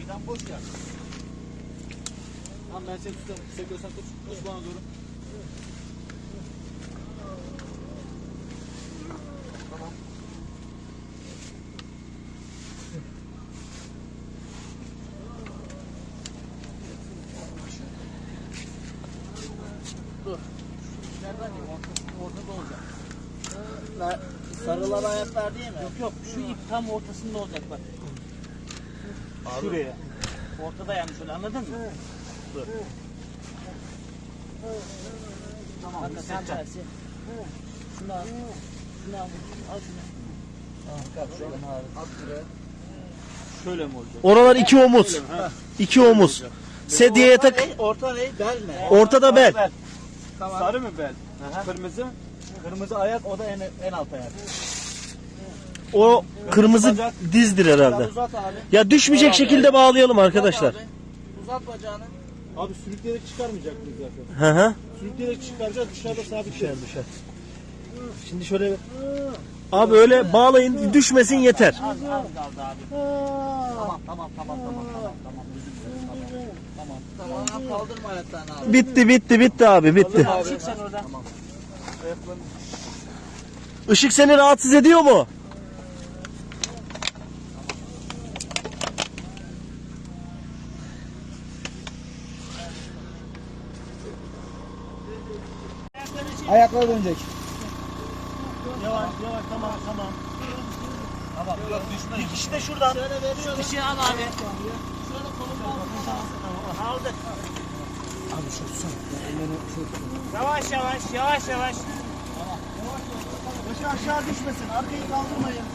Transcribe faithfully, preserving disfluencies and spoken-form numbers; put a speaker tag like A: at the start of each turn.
A: Meydan boş ya. Tamam ben seni tutarım. Sekiyorsan tut. Tut bana doğru. Tamam. Dur. Nereden değil? Ortada olacak.
B: Sarılar ayaklar değil mi?
A: Yok yok. Şu ip tam ortasında olacak bak. Şuraya. Ortada yani şöyle anladın mı? Dur. Tamam.
B: Bak sen tersi. Şunu al. Şunu al. Al şunu. Al şunu. At şuraya.
A: Şöyle mi olacak?
C: Oralar iki omuz. İki omuz. Sedyeye tak.
B: Orta ne? Bel mi?
C: Ortada bel.
B: Tamam.
A: Sarı mı bel? Kırmızı. Kırmızı ayak o da en, en alt ayak.
C: O kırmızı dizdir herhalde.
B: Uzat abi.
C: Ya düşmeyecek şekilde bağlayalım arkadaşlar.
B: Uzat, abi. Uzat bacağını.
A: Abi sürükleyerek çıkarmayacak mıyız zaten?
C: Hı hı.
A: Sürükleyerek çıkaracağız dışarıda sabit
C: Düşer düşer. Şimdi şöyle abi öyle bağlayın düşmesin yeter.
A: Az az kaldı abi. Tamam tamam tamam tamam tamam tamam. Tamam.
B: Tamam. Tamam. Kaldırma ayaklarını abi.
C: Bitti bitti bitti abi bitti.
A: Abi çık sen oradan. Tamam. Ayaklarını.
C: Işık seni rahatsız ediyor mu?
B: Ayaklar dönecek.
A: Yavaş yavaş tamam tamam. Tamam yok düşme. Bir kişi de şuradan.
B: Şöyle veriyorum.
A: Kişi al abi.
B: Şöyle kolumdan.
A: Aldık.
B: Abi şu son.
A: Yavaş yavaş yavaş yavaş.
B: Başı aşağı düşmesin. Arkayı kaldırmayın.